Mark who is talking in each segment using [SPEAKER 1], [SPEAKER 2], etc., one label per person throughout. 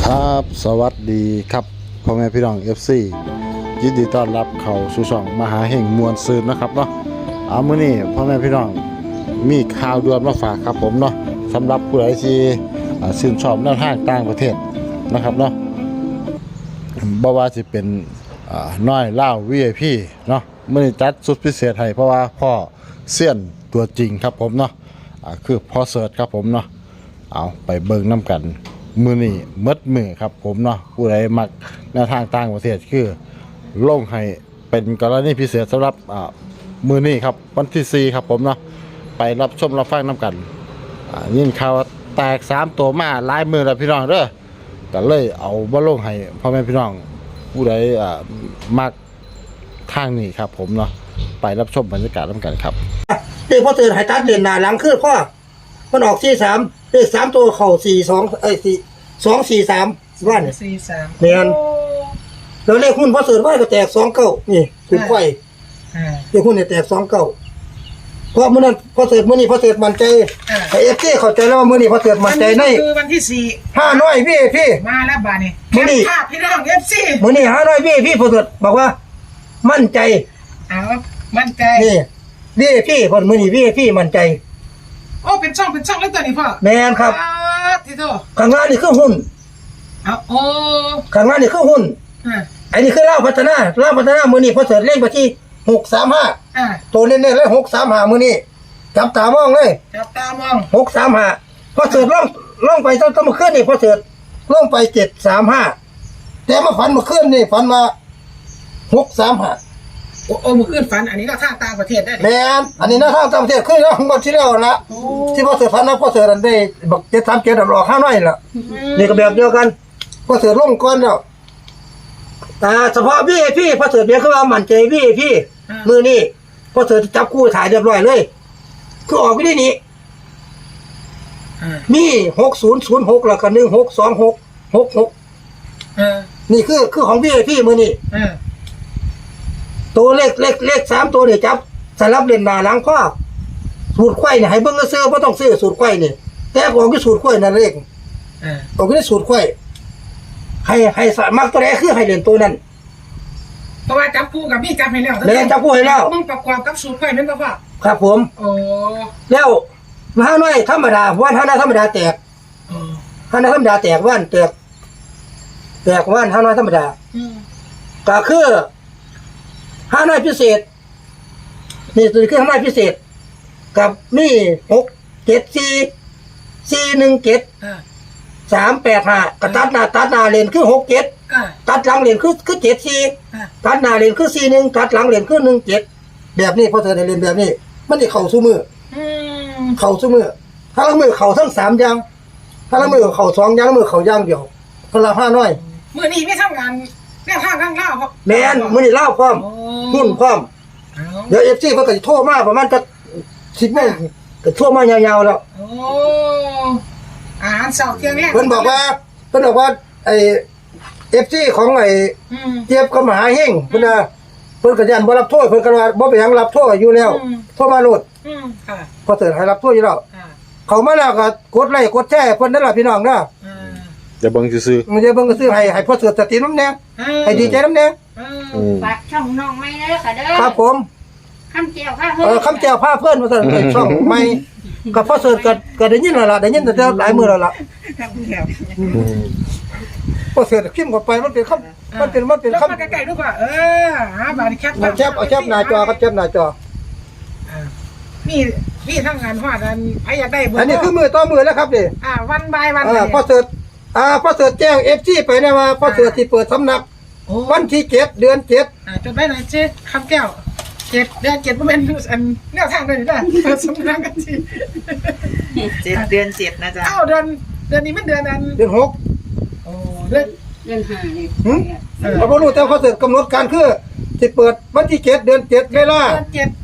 [SPEAKER 1] ครับสวัสดีครับพ่อแม่พี่น้อง FC ยินดีต้อนรับเข้าสู่ช่องมหาเฮงมวลซืนนะครับเนาะมื้อนี้พ่อแม่พี่น้องมีข่าวด่วนมาฝากครับผมเนาะสำหรับผู้ใดที่ชื่นชอบแนวทางต่างประเทศนะครับเนาะบ่ว่าสิเป็นน้อยเล่า VIP เนาะมื้อนี้จัดสุดพิเศษให้เพราะว่าพ่อเซียนตัวจริงครับผมเนาะคือพ่อเสิร์ชครับผมเนาะเอาไปเบิ่งน้ำกันมือนี่มืดมือครับผมเนาะผู้ใดมักแนวทางต่างประเทศคือลงให้เป็นกรณีพิเศษสำหรับมือนี่ครับวันที่4ครับผมเนาะไปรับชมรับฟังน้ำกันยินข่าวแตก3ตัวมาหลายมือแล้วพี่น้องเด้อก็เลยเอาบ่ลงให้พ่อแม่พี่น้องผู้ใดมักทางนี้ครับผมเนาะไปรับชมบรรยากาศน้ำกันครับ
[SPEAKER 2] เด็กพ่อเตือนให้ตัดเด่นหน้าหลังคือพ่อมันออก43เลข3ตัวเข้า243ว่าเนี่ย
[SPEAKER 3] 43
[SPEAKER 2] แม่นแล้วเลขหุ้นพ่อเตือนว่าก็แตก29นี่ถูกไฟเลขหุ้นเนี่ยแตก29เพราะมื้อนั้นพ่อเตือนมื้อนี้พ่อเตือนมั่นใจให้ FT เข้าใจแล้วว่ามื้อนี้พ่อเตือนมั่นใจใน
[SPEAKER 3] คือวันที่
[SPEAKER 2] 5น้อยพี่
[SPEAKER 3] มาแล้วบาดนี้
[SPEAKER 2] มื้อนี้
[SPEAKER 3] ภาพพี่น้อง FC
[SPEAKER 2] มื้อนี้5น้อยพี่พ่อเตือนบอกว่ามั่นใจ
[SPEAKER 3] มั่นใจ
[SPEAKER 2] นี่พี่พ่อมื้อนี้พี่มั่นใจ
[SPEAKER 3] โอ้เป็นช่องแล้วตัวนี้พ่อ
[SPEAKER 2] แม่นครับ
[SPEAKER 3] ที่โต
[SPEAKER 2] ข้างล่างนี่คือหุ้น
[SPEAKER 3] โอ้
[SPEAKER 2] ข้างล่างนี่คือหุ้นอันนี้คือเล่าพัฒนามื้อนี้พอเสร็จเลขไปที่635ตัวเน้นๆเลย635มื้อนี้จับตามองเลย635พอเสร็จล่องไปต้องมาขึ้นนี่พอเสร็จล่องไป735แต่มาฝันมาขึ้นนี่ฝันมา635
[SPEAKER 3] โอ้มื้อคืนฝันอันนี้ก็ทางต่างประเทศได้
[SPEAKER 2] แม่นอันนี้นะทางต่างประเทศคือแล้วงวดที่แล้วละที่พอเสร็จฝันนะพอเสร็จอันได้บัก737ออก5น้อยล่ะนี่ก็แบบเดียวกันพอเสร็จลงก่อนแล้วเฉพาะพี่พอเสร็จเบียคือว่ามั่นใจพี่มือนี่พอเสร็จจับคู่ถ่ายเรียบร้อยเลยคือออกไปได้นี่มี6006แล้วก็162666นี่คือของพี่มือนี่ตัวเลข3ตัวนี่จับสลับเล่นหน้าหลังข้อสูตรไข่เนี่ยให้เบิ่งซื้อบ่ต้องซื้อสูตรไข่นี่แต่ของที่สูตรไข่นั่นเลขของที่สูตรไข่ให้มักตัวใดคือให้เล่นตัวนั้น
[SPEAKER 3] เพราะว่าจับคู่กับพี่จับให้แล้ว
[SPEAKER 2] แล้วจับคู่ให้แล้ว
[SPEAKER 3] มึงประกอบกับสูตรไข่แม่นบ่พ่อ
[SPEAKER 2] ครับผม
[SPEAKER 3] โอ้
[SPEAKER 2] แล้วมหาน้อยธรรมดาวันหาน้อยธรรมดาแตกหาน้อยธรรมดาแตกวันแตกวันหาน้อยธรรมดาก็คือหาน้อยพิเศษนี่ตัวคือหาน้อยพิเศษกับนี่674417385กระตัดหน้าเลนคือ67ตัดหลังเลนคือ74ตัดหน้าเลนคือ41ตัดหลังเลนคือ17แบบนี้พอเธอได้เรียนแบบนี้มันสิเข้าสู่มือเข้าสู่มือถ้าละมือเข้าทั้ง3อย่างถ้าละมือเข้า2อย่างมือเข้าอย่างเดียวคนละ5น้อย
[SPEAKER 3] มื้อนี้มีทำงานแนวทางข้างล่าวครับ
[SPEAKER 2] แม่นมื้อนี้ลาวพร้อมหุ้นพร้อมเดี๋ยว FC เพิ่นก็สิโทรมาประมาณจะ10โมงก็โทรมายาวๆแล้ว
[SPEAKER 3] โอ้อาหารเช้าเที่ยงแลง
[SPEAKER 2] เพิ่นบอกว่าไอ้ FC ของไอ้เจี๊ยบกับมหาเฮงเพิ่นน่ะเพิ่นก็ยันบ่รับโทษเพิ่นก็ว่าบ่เป็นหยังรับโทษอยู่แล้วโทรมาโลด
[SPEAKER 3] ค่ะ
[SPEAKER 2] พอเสิร์ชให้รับโทษอยู่แล้วเข้ามาแล้วก็กดไลค์กดแชร์เพิ่นนั่นล่ะพี่น้องเด้อ
[SPEAKER 1] จะเบิ่งซื่อ
[SPEAKER 2] มันจะเบิ่งก็ซื้อให้พอเสิร์ชสติน้ำแน่ให้ดีใจน้ำแน่
[SPEAKER 4] ฝากช่องน้องใหม่เด้อค่ะเด้อ
[SPEAKER 2] ครับผม
[SPEAKER 4] คำแก้วผ้าเพิ่น
[SPEAKER 2] คำแก้วผ้าเพิ่นว่าซั่นช่องใหม่ก็พอเสิร์ชก็ได้ยินแล้วล่ะได้ยินแต่หลายมื้อแล้วล่ะพอเสิร์ชพิมพ์เข้าไปมันเป็นคำมันเป็นคำ
[SPEAKER 3] ใกล้ๆดูว่าบาดนี้แคป
[SPEAKER 2] เอาแคปหน้าจอครับแคปหน้าจอ
[SPEAKER 3] นี่ทางงานฮอดอันใครอยากได้
[SPEAKER 2] อันนี้คือมือต่อมือแล้วครับนี่
[SPEAKER 3] วันบายวัน
[SPEAKER 2] พอเสิร์ชแจ้ง FG ไปนะว่าพอเสิร์ชสิเปิดสำนักวันที่7เดือน7
[SPEAKER 3] จดไว้หน่อยเจ๊คำแก้ว7เดือน7บ่แม่นอันแนวทางเลยนะเปิดสำนักกันสิ
[SPEAKER 4] 7เดือน7นะจ๊ะ
[SPEAKER 3] เดือนนี้มันเดือน
[SPEAKER 2] 6
[SPEAKER 3] โอ้เดือน
[SPEAKER 4] 5นี่
[SPEAKER 2] บ่รู้แต่พอเสิร์ชกำหนดการคือสิเปิดวันที่7เดือน7เวลา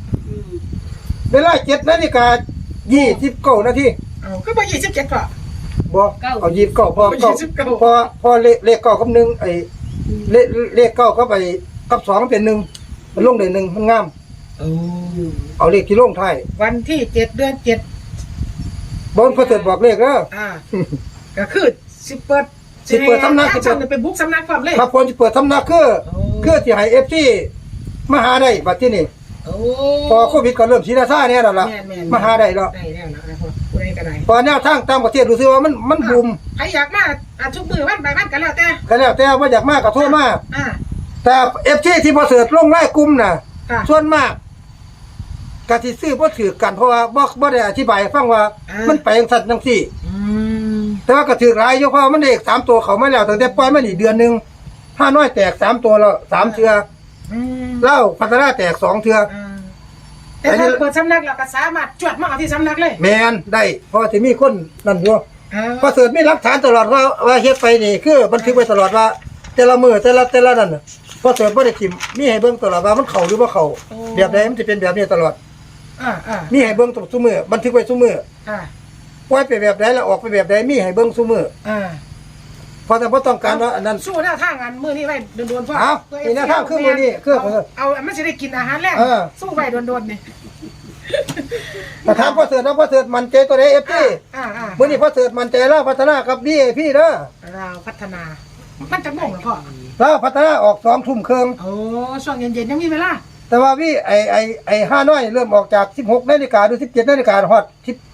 [SPEAKER 2] 7 นาฬิกา29 นาที
[SPEAKER 3] ก็บ่27ป่ะ
[SPEAKER 2] บ่เอา29พอเลข9กับ1ไอ้เลข9กับไอ้กับ2มันเป็น1มันลงได้1มันงามเอาเลขที่ลงท้าย
[SPEAKER 3] วันที่7เดือน7
[SPEAKER 2] บ่พอเสิร์ชบอกเลขเด้อ
[SPEAKER 3] ก็คือสิเปิด
[SPEAKER 2] สิเปิดสำนัก
[SPEAKER 3] สิเปิดเป็นบุ๊กสำนักความเลย
[SPEAKER 2] ครับผมสิเปิดสำนักคือสิให้ FC มาหาได้บัดที่นี่
[SPEAKER 3] โอ้
[SPEAKER 2] พอโควิดก็เริ่มชีราซ่าเนี่ยแล้วล่ะ
[SPEAKER 3] แม่นๆ
[SPEAKER 2] มาหาได้แล้ว
[SPEAKER 3] ได้แล้วนะครับผู้ใดก็ได้
[SPEAKER 2] พอแนวทางต่างประเทศรู้สึกว่ามันบูม
[SPEAKER 3] ใครอยากมาทุกมือวันไปวันกันแล้วแต่
[SPEAKER 2] ก็แล้วแต่ว่าอยากมากก็โทรมา
[SPEAKER 3] อ่า
[SPEAKER 2] แต่ FC ที่พอเสิร์ชลงไลน์กลุ่มน่ะ
[SPEAKER 3] ค่ะ
[SPEAKER 2] ส่วนมากก็สิซื้อบ่ถือกันเพราะว่าบ่ได้อธิบายให้ฟังว่ามันไปจังซั่นจังซี่
[SPEAKER 3] อืม
[SPEAKER 2] แต่ว่าก็ถือหลายอยู่เพราะว่ามันเลข3ตัวเขามาแล้วตั้งแต่ปล่อยมานี่เดือนนึงห้าน้อยแตก3ตัวแล้ว3เทื่อ
[SPEAKER 3] อืม
[SPEAKER 2] เหล้าพัฒนาแตก2เทื่อ
[SPEAKER 3] แต่ถ้าเปิดสำนักเราก็สามารถจวดมาเอาที่สำนักเลย
[SPEAKER 2] แม่นได้เพราะว่าสิมีคนนั่นอยู่ พอเสิร์ชมีหลักฐานตลอดว่าเฮ็ดไปนี่คือบันทึกไว้ตลอดว่า แต่ละมือแต่ละนั่นน่ะพอเสิร์ชบ่ได้ทิมมีให้เบิ่งตลอดว่ามันเข้าหรือบ่เข้าแบบใดมันสิเป็นแบบนี้ตลอด
[SPEAKER 3] อ่า
[SPEAKER 2] มีให้เบิ่งทุกมื้อบันทึกไว้ทุกมื้อ
[SPEAKER 3] อ่า
[SPEAKER 2] ปล่อยไปแบบใดแล้วออกไปแบบใดมีให้เบิ่งทุกมื้อ
[SPEAKER 3] อ่า
[SPEAKER 2] เพราะแต่บ่ต้องการว่าอันนั้น
[SPEAKER 3] สู้หน้าทางอันมือนี้ไว้โดนๆพ่อ
[SPEAKER 2] เอานี่หน้าทางคือมื้อนี้คือ
[SPEAKER 3] เอามันจะได้กินอาหารแรก
[SPEAKER 2] เออ
[SPEAKER 3] สู้ไว้โดนๆนี่
[SPEAKER 2] แต่ถามพอเสิร์ชว่าพอเสิร์ชมั่นใจตัวใด FT
[SPEAKER 3] อ่า
[SPEAKER 2] มื้อนี้พอเสิร์ชมั่นใจแล้วพัฒนากับ DAP เด้อ
[SPEAKER 3] เราพัฒนา มันจะโมงเหรอพ่อ
[SPEAKER 2] แล้วพัฒนาออก2ทุ่มครึ่ง
[SPEAKER 3] โอ้ช่วงเย็นๆยังมีเวลา
[SPEAKER 2] แต่ว่าไอ้ห้าน้อยเริ่มออกจาก16 นาฬิกาหรือ17 นาฬิกาฮอด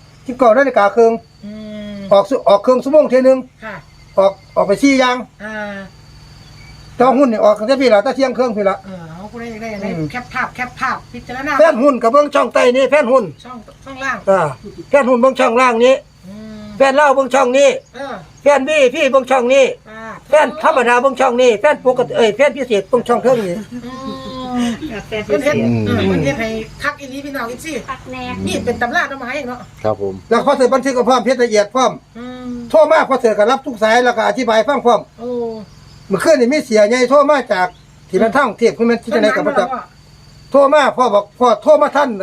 [SPEAKER 2] 19 นาฬิกาครึ่ง
[SPEAKER 3] อืม
[SPEAKER 2] ออกเครื่องชั่วโมงเทีนึง
[SPEAKER 3] ค่ะ
[SPEAKER 2] ออกไป4อย่าง
[SPEAKER 3] อ่า
[SPEAKER 2] แต่ว่าหุ้นนี่ออกตั้งแต่พี่ละแต่เที่ยงครึ่งพี่ละ
[SPEAKER 3] เอาผู้ใดอยากได้อะไรแคปภาพพิจารณา
[SPEAKER 2] แฟนหุ้นกับเบิ่งช่องใต้นี่แฟนหุ้น
[SPEAKER 3] ช่องล่าง
[SPEAKER 2] แฟนหุ้นเบิ่งช่องล่างนี้
[SPEAKER 3] อืม
[SPEAKER 2] แฟนเล่าเบิ่งช่องนี้ แฟนพี่เบิ่งช่องนี้แฟนธรรมดาเบิ่งช่องนี้แฟนปกติแฟนพิเศษเบิ่งช่องเทิงนี่
[SPEAKER 3] เพิ่นเฮ็ดมันเฮ็ดให้คักอีหลีพี่น้องอีกสิ
[SPEAKER 4] พักแน่
[SPEAKER 3] นี่เป็นตำราต้นไม้เนาะ
[SPEAKER 1] ครับผม
[SPEAKER 2] แล้วพอเสิร์ชบันทึกกับพร้อมเพชรละเอียดพร้อม
[SPEAKER 3] อืม
[SPEAKER 2] โทรมาพอเสิร์ชก็รับทุกสายแล้วก็อธิบายฟังพร้อม
[SPEAKER 3] โอ้
[SPEAKER 2] เมื่อคืนนี่มีเสียใหญ่โทรมาจากที่มันทั้งเทียบคือมันที่ไหนกับพระเจ้า โทรมาพ่อบอกพ่อโทรมาท่าน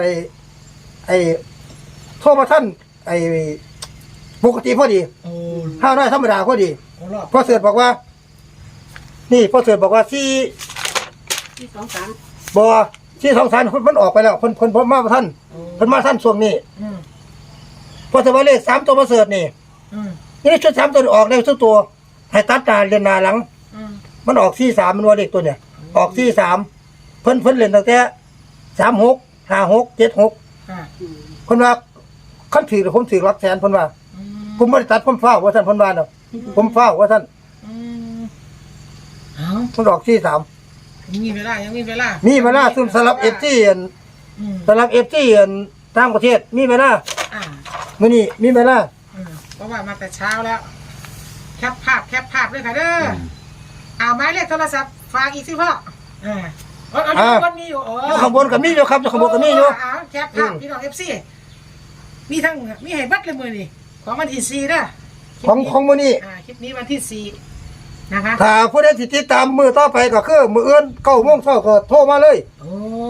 [SPEAKER 2] โทรมาท่านปกติพอดี
[SPEAKER 3] โอ้
[SPEAKER 2] ห้าร้อยธรรมดาพอดี
[SPEAKER 3] โอ้รอบ
[SPEAKER 2] พ่อเสือบอกว่า นี่พ่อเสือบอกว่าที่
[SPEAKER 4] ที่2-3
[SPEAKER 2] บ่ที่สองสารมันออกไปแล้วคนพ่อมาท่านคนมาท่านช่วงนี้
[SPEAKER 3] อืม
[SPEAKER 2] พ่อเสือว่าเลข3ตัวพ่อเสือนี่
[SPEAKER 3] อืม
[SPEAKER 2] นี่ชุด3ตัวออกได้ทุกตัว ให้ตัดหน้าเรียนหน้าหลัง
[SPEAKER 3] อืม
[SPEAKER 2] มันออก43มันว่าเลขตัวเนี่ย ออก43เพิ่นเล่นตั้งแต่36 56 76
[SPEAKER 3] อ่า
[SPEAKER 2] เพิ่นว่าคันถือผมถือรับแสนเพิ่นว่า
[SPEAKER 3] อืม
[SPEAKER 2] ผมบ่ได้ตัดผมฟ้าวว่าท่านเพิ่นว่าเนาะผมฟ้าวว่าท่าน
[SPEAKER 3] อืมเอา
[SPEAKER 2] มันออก43
[SPEAKER 3] ยังมีเวลายังมีเวลา
[SPEAKER 2] มีเวลาซุ่มสลับ FT
[SPEAKER 3] อืม
[SPEAKER 2] สลับ FT ต่างประเทศมีเวลา
[SPEAKER 3] อ่า
[SPEAKER 2] มื้อนี้มีเวลา
[SPEAKER 3] เพราะว่ามาแต่เช้าแล้ว แคปภาพเลยค่ะเด้อเอาไม้เลขโทรศัพท์ฝากอีกสิพ่อเอาคนมีอยู่
[SPEAKER 2] อยู่ข้างบนก็มีอยู่ครับอยู่ข้างบนก็มีอยู่
[SPEAKER 3] แคปภาพพี่น้องFC มีทั้งมีให้บัตรเลยมือนี่ของวันที่4เด้อ
[SPEAKER 2] ของมื้อนี้
[SPEAKER 3] คลิปนี้วันที่4นะคะ
[SPEAKER 2] ถ้าผู้ใดสิติดตามมื้อต่อไปก็คือมื้ออื่น9:00 นก็โทรมาเลย
[SPEAKER 3] โอ้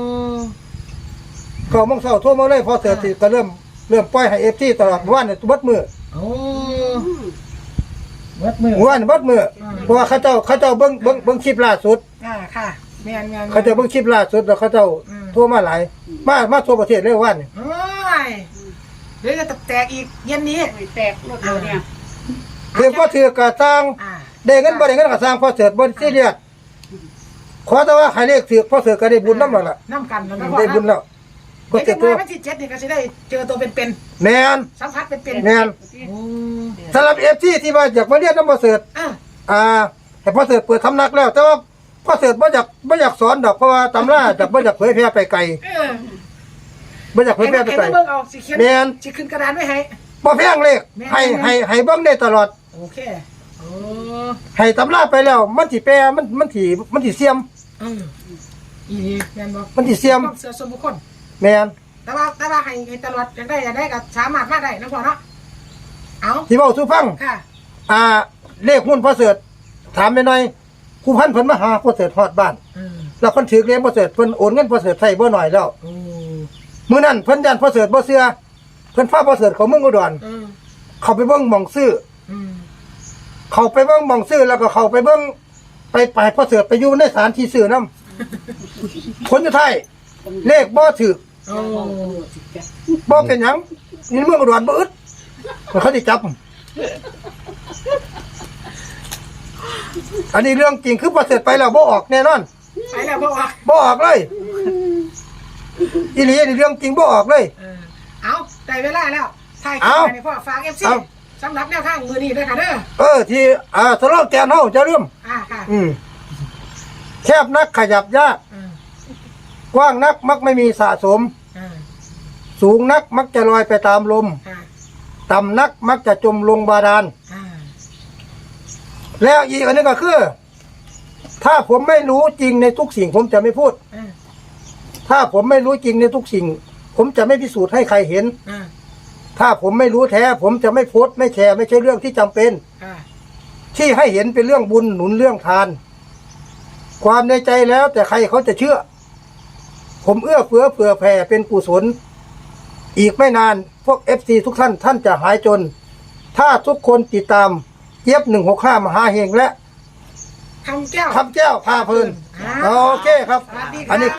[SPEAKER 2] 9:00 นโทรมาเลยพอเสร็จก็เริ่มปล่อยให้ FT ตลอดวันนี้เบิดมื้อ
[SPEAKER 3] โอ้วัดมือ
[SPEAKER 2] วันเบิดมื้อเพราะว่าเขาเจ้าเบิ่งคลิปล่าสุด
[SPEAKER 3] ค่ะแม่น
[SPEAKER 2] เขาเจ้าเบิ่งคลิปล่าสุดแล้วเขาเจ้าโทรมาหลายมาทั่วประเทศเลยวันนี้
[SPEAKER 3] โอ้ยเดี๋ยวจะแตกอีกเย็นนี้
[SPEAKER 4] แตกรถเราเนี่ย
[SPEAKER 2] ถือบ่ถือก็สร้างได้เงินบ่ได้เงินก็สร้างพอเสร็จบ่ซีเรียสขอแต่ว่าให้เลขถือพอเสร็จก็ได้บุญนำแล้วล่ะ
[SPEAKER 3] น้ำกันแล้วก็
[SPEAKER 2] ได้บุญแล้วก็
[SPEAKER 3] เดี๋ยว
[SPEAKER 2] เสร็จตัว
[SPEAKER 3] วันที่7นี่ก็จะได้เจอตัวเป็น
[SPEAKER 2] แม่น
[SPEAKER 3] ๆสัมผัสเป็น
[SPEAKER 2] แม่น
[SPEAKER 3] ๆโอ้
[SPEAKER 2] สำหรับ FT ที่ว่าอยากมาเรียนนำพอเสร็จ ให้พอเสร็จเปิดสำนักแล้ว แต่ว่าพอเสร็จบ่อยากสอนดอกเพราะว่าตำราจากบ่อยากเผยแพร่ไปไกลบ่อยากเผยแพร่ไปไกล
[SPEAKER 3] เบิ่งเอาสิเขียน
[SPEAKER 2] แม่น
[SPEAKER 3] สิขึ้นกระดานไว้ให้
[SPEAKER 2] บ่แพงเลขให้เบิ่งได้ตลอด
[SPEAKER 3] โอเคโอ้
[SPEAKER 2] ให้ตำราไปแล้ว มันสิแปลมันสิเสียม
[SPEAKER 3] อีแม่นบ่
[SPEAKER 2] มันสิเสียม
[SPEAKER 3] ต้องเสือส่วนบุคคล
[SPEAKER 2] แม่น
[SPEAKER 3] แต่ว่าให้ตลอดอยากได้ก็สามารถมาได้นะพ่อเนาะเอา
[SPEAKER 2] ที่เว้าสู่ฟัง
[SPEAKER 3] ค่ะ
[SPEAKER 2] เลขหุ้นพอเสร็จถามหน่อยครูพันธุ์เพิ่นมาหาพอเสร็จฮอดบ้าน แล้วเพิ่นถือเลขพอเสร็จเพิ่นโอนเงินพอเสร็จใส่บ่น้อยแล้ว
[SPEAKER 3] โอ้
[SPEAKER 2] มื้อนั้นเพิ่นยันพอเสร็จบ่เชื่อเพิ่นพาพอเสร็จเขาเมืองอุดรเขาไปเบิ่งหม่องซื้อเขาไปเบิ่งหม่องซื้อแล้วก็เขาไปเบิ่งไปพอเสร็จไปอยู่ในศาลที่ซื้อนำคนสุดท้ายเลขบ่ถูก
[SPEAKER 3] โอ้
[SPEAKER 2] บ่เป็นหยังนี่เมืองอุดรบ่อึดเขาสิจับอันนี้เรื่องจริงคือพอเสร็จไปแล้วบ่ออกแน่นอน
[SPEAKER 3] ไปแล้วบอกว่า
[SPEAKER 2] บ่ออกเลยอีหลีนี่เรื่องจริงบ่ออกเลย
[SPEAKER 3] เอาได้เวลาแล้วถ่ายคลิ
[SPEAKER 2] เอา
[SPEAKER 3] ปไปพ่อฝาก FC
[SPEAKER 2] เอา
[SPEAKER 3] สำหรับแนวทางมือนี้ด้วยค่ะเด้อ
[SPEAKER 2] ที่สโลแกนเฮาจะเริ่ม
[SPEAKER 3] ค่ะ
[SPEAKER 2] แคบนักขยับยาก กว้างนักมักไม่มีสะสม สูงนักมักจะลอยไปตามลม ต่ำนักมักจะจมลงบาดาล แล้วอีกอันนึงก็คือ ถ้าผมไม่รู้จริงในทุกสิ่งผมจะไม่พูด ถ้าผมไม่รู้จริงในทุกสิ่ง ผมจะไม่พิสูจน์ให้ใครเห็น ถ้าผมไม่รู้แท้ผมจะไม่โพสต์ไม่แชร์ไม่ใช่เรื่องที่จำเป็น ที่ให้เห็นเป็นเรื่องบุญหนุนเรื่องทาน ความในใจแล้วแต่ใครเขาจะเชื่อ ผมเอื้อเฟื้อเผื่อแผ่เป็นกุศลอีกไม่นานพวก FC ทุกท่านจะหายจน ถ้าทุกคนติดตามเจี๊ยบ165มหาเฮงและ
[SPEAKER 3] คำแก้ว
[SPEAKER 2] คำแก้วพาเพลินโอเคครับ
[SPEAKER 3] สวัสดีค่ะ
[SPEAKER 2] อันนี้